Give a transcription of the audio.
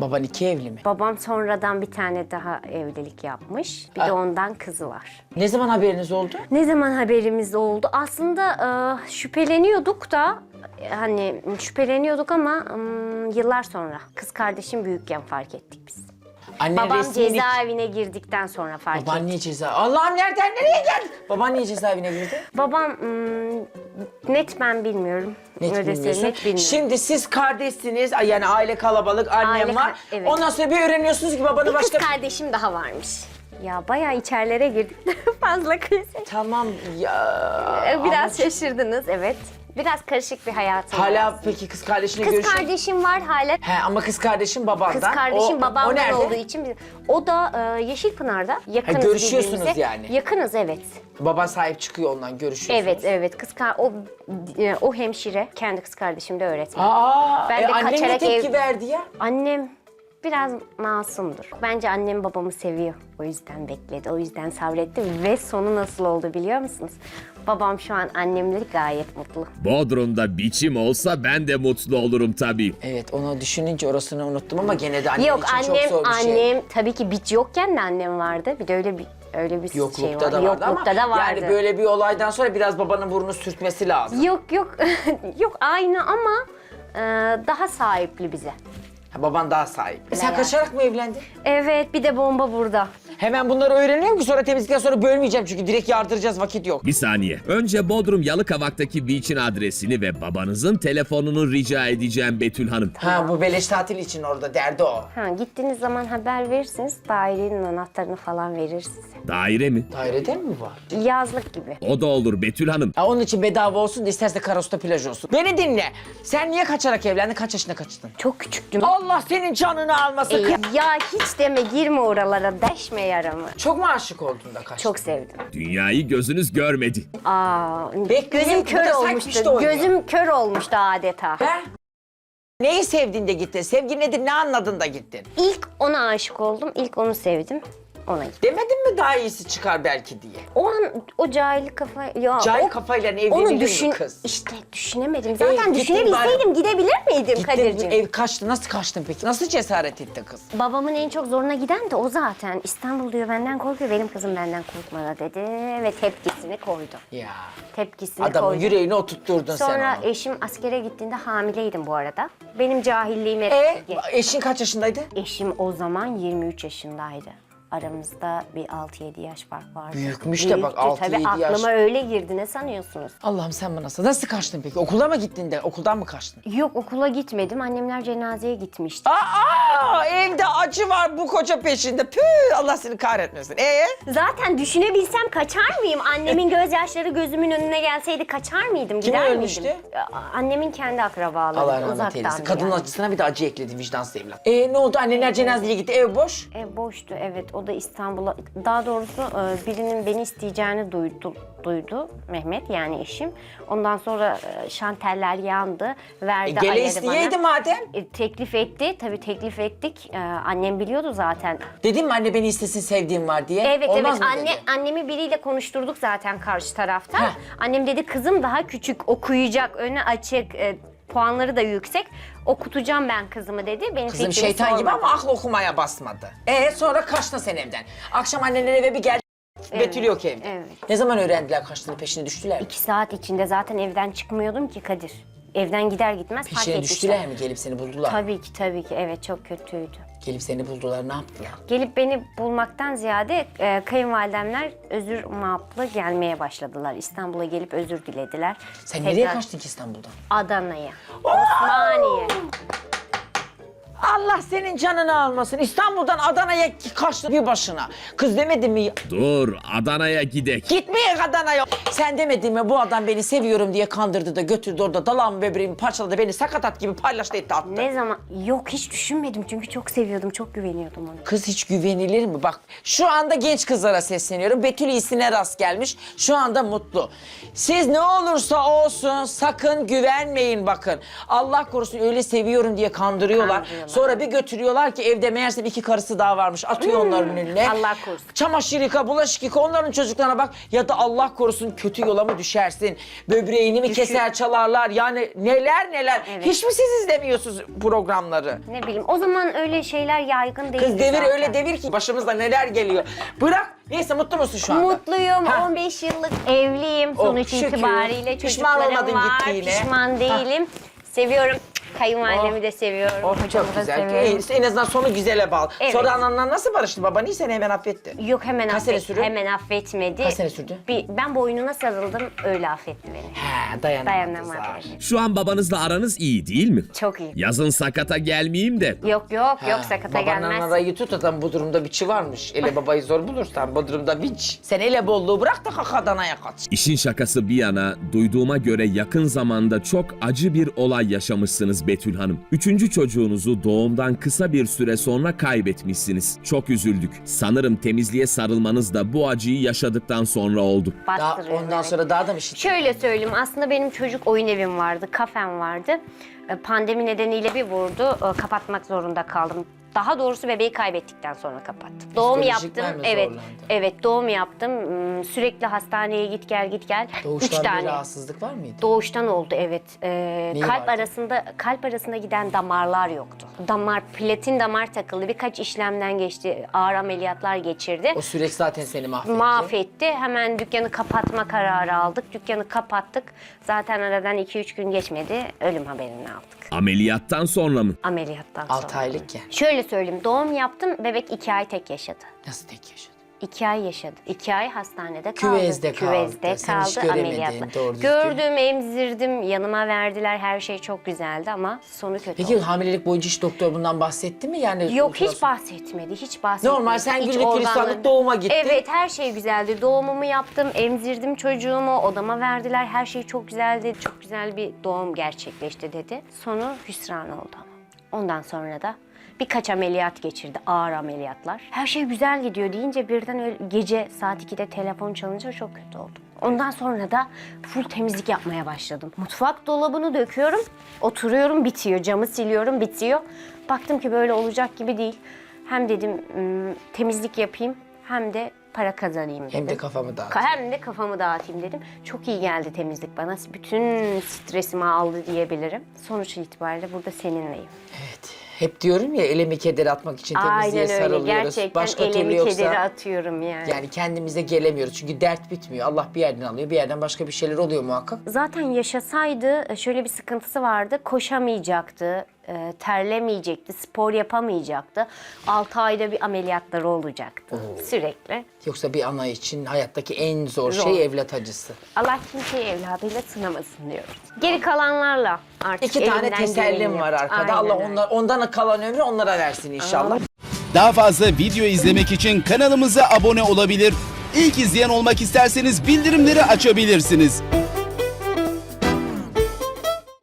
Baban 2 evli mi? Babam sonradan bir tane daha evlilik yapmış. Bir de ondan kızı var. Ne zaman haberiniz oldu? Ne zaman haberimiz oldu? Aslında şüpheleniyorduk da hani şüpheleniyorduk ama yıllar sonra. Kız kardeşim büyükken fark ettik biz. Annen Babam resmi cezaevine girdikten sonra fark ettik. Baban niye cezaevine? Allah'ım nereden nereye geldi? Baban niye cezaevine girdi? Babam net ben bilmiyorum. Net Öyle bilmiyorsun. net bilmiyorum. Şimdi siz kardeşsiniz, yani aile kalabalık, annem Aile var. evet. Ondan sonra bir öğreniyorsunuz ki babanın Bir başka... kız kardeşim daha varmış. Ya bayağı içerilere girdik. Fazla kriz. Tamam ya. Biraz şaşırdınız, evet. Biraz karışık bir hayatım var. Hala peki kız kardeşine Kız görüşüyor? kardeşim var hala. He ama kız kardeşim babandan. Kız kardeşim o babamdan nerede? olduğu için o da Yeşilpınar'da. Yakınız görüşüyorsunuz birbirimize. yani. Yakınız, evet. Baban sahip çıkıyor ondan, görüşüyorsunuz. Evet, evet. O hemşire, kendi kız kardeşim de öğretmen. Aa, Ben de annem ne kaçarak tepki verdi ya? Annem biraz masumdur. Bence annem babamı seviyor. O yüzden bekledi, o yüzden sabretti ve sonu nasıl oldu biliyor musunuz? Babam şu an annemle gayet mutlu. Bodrum'da biçim olsa ben de mutlu olurum tabii. Evet, onu düşününce orasını unuttum ama gene de annem Yok, için çok annem zor bir şey. tabii ki biç yokken de annem vardı. Bir de öyle bir şey Yoklukta var. da vardı ama Yoklukta da vardı. yani böyle bir olaydan sonra biraz babanın burnunu sürtmesi lazım. Yok yok aynı ama daha sahipli bize. Ha, baban daha sahip. Sen yani. kaçarak mı evlendin? Evet, bir de bomba burada. Hemen bunları öğreniyorum ki sonra temizlikten sonra bölmeyeceğim çünkü direkt yardıracağız, vakit yok. Bir saniye. Önce Bodrum Yalıkavak'taki beach'in adresini ve babanızın telefonunu rica edeceğim Betül Hanım. Ha, bu beleş tatil için orada derdi o. Ha, gittiğiniz zaman haber verirsiniz, dairenin anahtarını falan verir size. Daire mi? Dairede mi var? Yazlık gibi. O da olur Betül Hanım. Ha, onun için bedava olsun da isterse Karos'ta plaj olsun. Beni dinle. Sen niye kaçarak evlendin? Kaç yaşında kaçtın? Çok küçüktüm. Allah senin canını almasın. Ya hiç deme, girme oralara, deşme yaramı. Çok mu aşık oldun da kaçtın? Çok sevdim. Dünyayı gözünüz görmedi. Bu Gözüm kör da sanki işte olmuştu. oynuyor. Gözüm kör olmuştu adeta. Ben? Neyi sevdin de gittin? Sevgi nedir? Ne anladın da gittin? İlk ona aşık oldum, ilk onu sevdim. Ona gittim. Demedin mi daha iyisi çıkar belki diye? O an o cahil kafa... Ya Cahil o- kafayla Onu evlenilir mi kız? İşte düşünemedim. Zaten gittin düşünebilseydim gidebilir miydim Gittin, Kadir'ciğim? ev kaçtı. Nasıl kaçtın peki? Nasıl cesaret etti kız? Babamın en çok zoruna giden de o zaten. İstanbul diyor benden korkuyor, benim kızım benden korkmadı dedi ve tepkisini koydu. Ya Tepkisini adamın koydu. yüreğini oturtturdun Sonra sen onu. eşim askere gittiğinde hamileydim bu arada. Benim cahilliğime... Eşin kaç yaşındaydı? Eşim o zaman 23 yaşındaydı. Aramızda bir 6-7 yaş fark vardı. Büyükmüş de bak, 6-7 Tabii yaş. aklıma öyle girdi, ne sanıyorsunuz? Allah'ım sen bana nasıl kaçtın peki? Okula mı gittin de? Okuldan mı kaçtın? Yok, okula gitmedim. Annemler cenazeye gitmişti. Evde acı var bu koca peşinde. Püh, Allah seni kahretmesin. Zaten düşünebilsem kaçar mıyım? Annemin gözyaşları gözümün önüne gelseydi kaçar mıydım? Kim Gider ölmüştü? miydim? Annemin kendi akrabaları. Allah rahmet uzaktandı eylesin. Kadının yani. acısına bir de acı ekledi vicdansız evlat. Ne oldu? Anneler cenazeye gitti. Ev boş. Boştu, evet. O da İstanbul'a... Daha doğrusu birinin beni isteyeceğini duydu Mehmet, yani eşim. Ondan sonra şanteller yandı. Verdi Gele ayarı isteyeydi bana. madem. Teklif etti. Tabii teklif ettik. Annem biliyordu zaten. Dedim mi anne beni istesin, sevdiğim var diye? Evet, Olmaz evet. mı dedi? Annemi biriyle konuşturduk zaten karşı tarafta. Heh. Annem dedi kızım daha küçük, okuyacak, önü açık, puanları da yüksek. Okutacağım ben kızımı dedi. Benim Kızım fikrimi şeytan gibi sormadı. ama aklı okumaya basmadı. Sonra kaçtın sen evden. Akşam annenler eve bir geldi. Betül yok evde. evet. Ne zaman öğrendiler kaçtığını, peşine düştüler mi? 2 saat içinde zaten evden çıkmıyordum ki Kadir. Evden gider gitmez fark Peşine etmişler. düştüler mi? Gelip seni buldular. Tabii ki. Evet, çok kötüydü. Gelip seni buldular, ne yaptılar? Gelip beni bulmaktan ziyade kayınvalidemler özür maplı gelmeye başladılar. İstanbul'a gelip özür dilediler. Sen nereye kaçtın ki İstanbul'dan? Adana'ya. Osmaniye. Allah senin canını almasın. İstanbul'dan Adana'ya kaçtın bir başına. Kız demedin mi? Dur Adana'ya gidek. Gitmeye Adana'ya. Sen demedin mi bu adam beni seviyorum diye kandırdı da götürdü orada dalağımı böbreğimi parçaladı, beni sakatat gibi paylaştı etti attı. Ne zaman? Yok, hiç düşünmedim çünkü çok seviyordum, çok güveniyordum ona. Kız hiç güvenilir mi? Bak şu anda genç kızlara sesleniyorum. Betül iyisine rast gelmiş. Şu anda mutlu. Siz ne olursa olsun sakın güvenmeyin bakın. Allah korusun öyle seviyorum diye kandırıyorlar. Sonra bir götürüyorlar ki evde meğerse 2 karısı daha varmış. Atıyor onların önüne. Allah korusun. Çamaşır yıka, bulaşık yıka, onların çocuklarına bak. Ya da Allah korusun kötü yola mı düşersin? Böbreğini mi keser çalarlar? Yani neler neler. Evet. Hiç mi siz izlemiyorsunuz programları? Ne bileyim, o zaman öyle şeyler yaygın değildi Kız devir zaten. öyle devir ki başımıza neler geliyor. Bırak. Neyse mutlu musun şu anda? Mutluyum. Ha. 15 yıllık evliyim. Sonuç şükür. itibariyle Pişman çocuklarım olmadın var. gittiğine. Pişman değilim. Seviyorum. Kayınvalidemi de seviyorum. Oh Hocamı çok da güzel. seviyorum. En azından sonu güzele bağlı. Evet. Sonra ananla nasıl barıştı? Baban iyi seni hemen affetti. Yok, hemen Kaç sene sürdü? Hemen affetmedi. Kaç sene sürdü? Ben boynuna sarıldım, öyle affetti beni. He dayanamadı. Dayanamadı. Şu an babanızla aranız iyi değil mi? Çok iyi. Yazın sakata gelmeyeyim de. Yok sakata Babanın gelmez. arayı tut adam bu durumda biçi varmış. Ele babayı zor bulursan bu durumda biç. Sen ele bolluğu bırak da kalk Adana'ya kaç. İşin şakası bir yana, duyduğuma göre yakın zamanda çok acı bir olay yaşamışsınız Betül Hanım. 3. çocuğunuzu doğumdan kısa bir süre sonra kaybetmişsiniz. Çok üzüldük. Sanırım temizliğe sarılmanız da bu acıyı yaşadıktan sonra oldu. Daha, Bastırıyorum, ondan evet. sonra daha da bir şey. Şöyle söyleyeyim, aslında benim çocuk oyun evim vardı, kafem vardı. Pandemi nedeniyle bir vurdu, kapatmak zorunda kaldım. Daha doğrusu bebeği kaybettikten sonra kapattım. Doğum Psikolojik yaptım, mi evet, zorlandın? evet doğum yaptım. Sürekli hastaneye git gel. Üç Doğuştan bir tane. rahatsızlık var mıydı? Doğuştan oldu, evet. vardı? Kalp arasında giden damarlar yoktu. Platin damar takıldı. Birkaç işlemden geçti. Ağır ameliyatlar geçirdi. O süreç zaten seni mahvetti. Mahvetti. Hemen dükkanı kapatma kararı aldık. Dükkanı kapattık. Zaten aradan 2-3 gün geçmedi. Ölüm haberini aldık. Ameliyattan sonra mı? Ameliyattan sonra. 6 aylıkken. Şöyle söyleyeyim. Doğum yaptım. Bebek 2 ay tek yaşadı. Nasıl tek yaşadın? 2 ay yaşadı. 2 ay hastanede kaldı. Küvezde kaldı. Sen hiç göremedin, ameliyatla. doğru düzgün. Gördüm, emzirdim, yanıma verdiler. Her şey çok güzeldi ama sonu kötü Peki oldu. hamilelik boyunca hiç doktor bundan bahsetti mi? Yani Yok, hiç ultrason- bahsetmedi, hiç bahsetmedi. Normal, sen Hiç güllük gülistanlık organları- doğuma gittin. Evet, her şey güzeldi. Doğumumu yaptım, emzirdim çocuğumu, odama verdiler. Her şey çok güzeldi. Çok güzel bir doğum gerçekleşti dedi. Sonu hüsran oldu ama. Ondan sonra da birkaç ameliyat geçirdi, ağır ameliyatlar. Her şey güzel gidiyor deyince birden öyle gece saat 2'de telefon çalınca çok kötü oldum. Ondan sonra da full temizlik yapmaya başladım. Mutfak dolabını döküyorum, oturuyorum, bitiyor. Camı siliyorum, bitiyor. Baktım ki böyle olacak gibi değil. Hem dedim temizlik yapayım hem de para kazanayım dedim. Hem de kafamı dağıt. Hem de kafamı dağıtayım dedim. Çok iyi geldi temizlik bana. Bütün stresimi aldı diyebilirim. Sonuç itibariyle burada seninleyim. Evet. Hep diyorum ya elemi kederi atmak için temizliğe Aynen öyle. sarılıyoruz. Gerçekten Başka türlü elemi yoksa kederi atıyorum yani. yani kendimize gelemiyoruz. Çünkü dert bitmiyor. Allah bir yerden alıyor, bir yerden başka bir şeyler oluyor muhakkak. Zaten yaşasaydı şöyle bir sıkıntısı vardı. Koşamayacaktı, terlemeyecekti, spor yapamayacaktı. 6 ayda bir ameliyatları olacaktı sürekli. Yoksa bir ana için hayattaki en zor Zor. şey evlat acısı. Allah kimseyi evladıyla sınamasın diyoruz. Geri kalanlarla artık 2 tane elimden tesellim geleni var yaptım. arkada. Aynen Allah öyle. ondan kalan ömrü onlara versin inşallah. Daha fazla video izlemek için kanalımıza abone olabilir. İlk izleyen olmak isterseniz bildirimleri açabilirsiniz.